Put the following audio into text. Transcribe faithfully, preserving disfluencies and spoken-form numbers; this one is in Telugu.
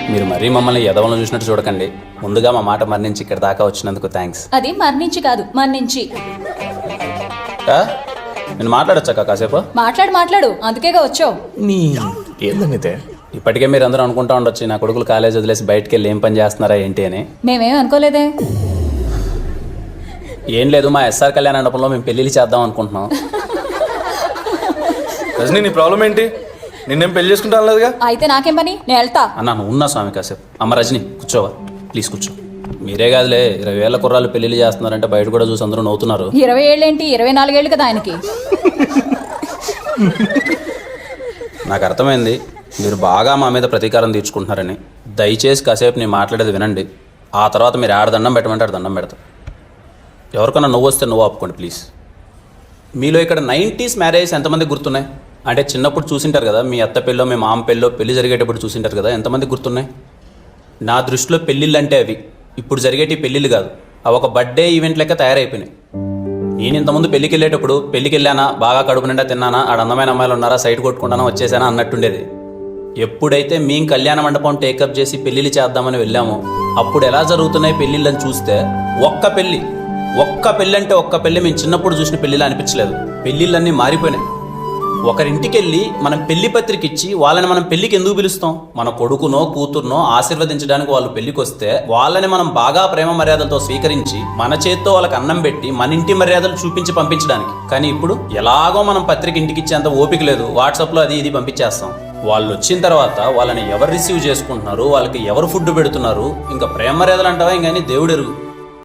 మీరు మరీ మమ్మల్ని ఎదవలను చూసినట్టు చూడకండి. ముందుగా మా మాట మరణించి ఇక్కడ దాకా వచ్చినందుకు థ్యాంక్స్. అది మరణించి కాదు మరణించి. నేను మాట్లాడొచ్చాక కాసేపు? మాట్లాడు మాట్లాడు, అందుకేగా వచ్చావు. నీ ఏందనితే ఇప్పటికే మీరు అందరూ అనుకుంటా ఉండొచ్చు నా కొడుకులు కాలేజ్ వదిలేసి బయటకు వెళ్ళి ఏం పని చేస్తున్నారా ఏంటి అని. మేమేం అనుకోలేదే. ఏం లేదు, మా ఎస్ఆర్ కళ్యాణ మండపంలో మేము పెళ్ళిళ్ళు చేద్దాం అనుకుంటున్నాం. రజనీ నీ ప్రాబ్లం ఏంటి? నిన్నేం పెళ్లి చేసుకుంటా లేదుగా. అయితే నాకేం పని, నేను వెళ్తా. అన్నా నువ్వు ఉన్నా స్వామి కాసేపు. అమ్మ రజనీ కూర్చోవా ప్లీజ్, కూర్చో. మీరే కాదులే, ఇరవై వేల కుర్రాళ్ళు పెళ్లిళ్ళు చేస్తున్నారంటే బయట కూడా చూసి అందరూ నవ్వుతున్నారు. ఇరవై ఏళ్ళేంటి, ఇరవై నాలుగేళ్ళు కదా ఆయనకి. నాకు అర్థమైంది మీరు బాగా మా మీద ప్రతీకారం తీర్చుకుంటున్నారని. దయచేసి కాసేపు నేను మాట్లాడేది వినండి. ఆ తర్వాత మీరు ఆడ దండం పెట్టమంటే ఆడ దండం పెడతా. ఎవరికన్నా నువ్వు వస్తే నువ్వు ఆపుకోండి ప్లీజ్. మీలో ఇక్కడ నైంటీస్ మ్యారేజ్ ఎంతమంది గుర్తున్నాయి? అంటే చిన్నప్పుడు చూసింటారు కదా, మీ అత్త పెళ్ళో మీ మామ పెళ్ళో పెళ్లి జరిగేటప్పుడు చూసింటారు కదా, ఎంతమంది గుర్తున్నాయి? నా దృష్టిలో పెళ్ళిళ్ళు అంటే అవి ఇప్పుడు జరిగేటి పెళ్ళిళ్ళు కాదు, అవి ఒక బర్త్డే ఈవెంట్ లెక్క తయారైపోయినాయి. నేను ఇంతకుముందు పెళ్ళికి వెళ్ళేటప్పుడు పెళ్ళికి వెళ్ళానా, బాగా కడుపు నిండా తిన్నానా, ఆడ అందమైన అమ్మాయిలు ఉన్నారా, సైట్ కొట్టుకుంటానా, వచ్చేసానా అన్నట్టుండేది. ఎప్పుడైతే మేము కళ్యాణ మండపం టేకప్ చేసి పెళ్ళిళ్ళు చేద్దామని వెళ్ళామో అప్పుడు ఎలా జరుగుతున్నాయి పెళ్ళిళ్ళని చూస్తే ఒక్క పెళ్ళి ఒక్క పెళ్ళి అంటే ఒక్క పెళ్ళి మేము చిన్నప్పుడు చూసిన పెళ్ళిలా అనిపించలేదు. పెళ్ళిళ్ళన్నీ మారిపోయినాయి. ఒకరింటికి వెళ్ళి మనం పెళ్లి పత్రిక ఇచ్చి వాళ్ళని మనం పెళ్లికి ఎందుకు పిలుస్తాం? మన కొడుకునో కూతుర్నో ఆశీర్వదించడానికి వాళ్ళు పెళ్లికి వస్తే వాళ్ళని మనం బాగా ప్రేమ మర్యాదలతో స్వీకరించి మన చేత్తో వాళ్ళకి అన్నం పెట్టి మన ఇంటి మర్యాదలు చూపించి పంపించడానికి. కానీ ఇప్పుడు ఎలాగో మనం పత్రిక ఇంటికి ఇచ్చేంత ఓపిక లేదు, వాట్సాప్లో అది ఇది పంపించేస్తాం. వాళ్ళు వచ్చిన తర్వాత వాళ్ళని ఎవరు రిసీవ్ చేసుకుంటున్నారు, వాళ్ళకి ఎవరు ఫుడ్ పెడుతున్నారు, ఇంకా ప్రేమ మర్యాదలు అంటావా ఇంకని దేవుడు ఎరుగు.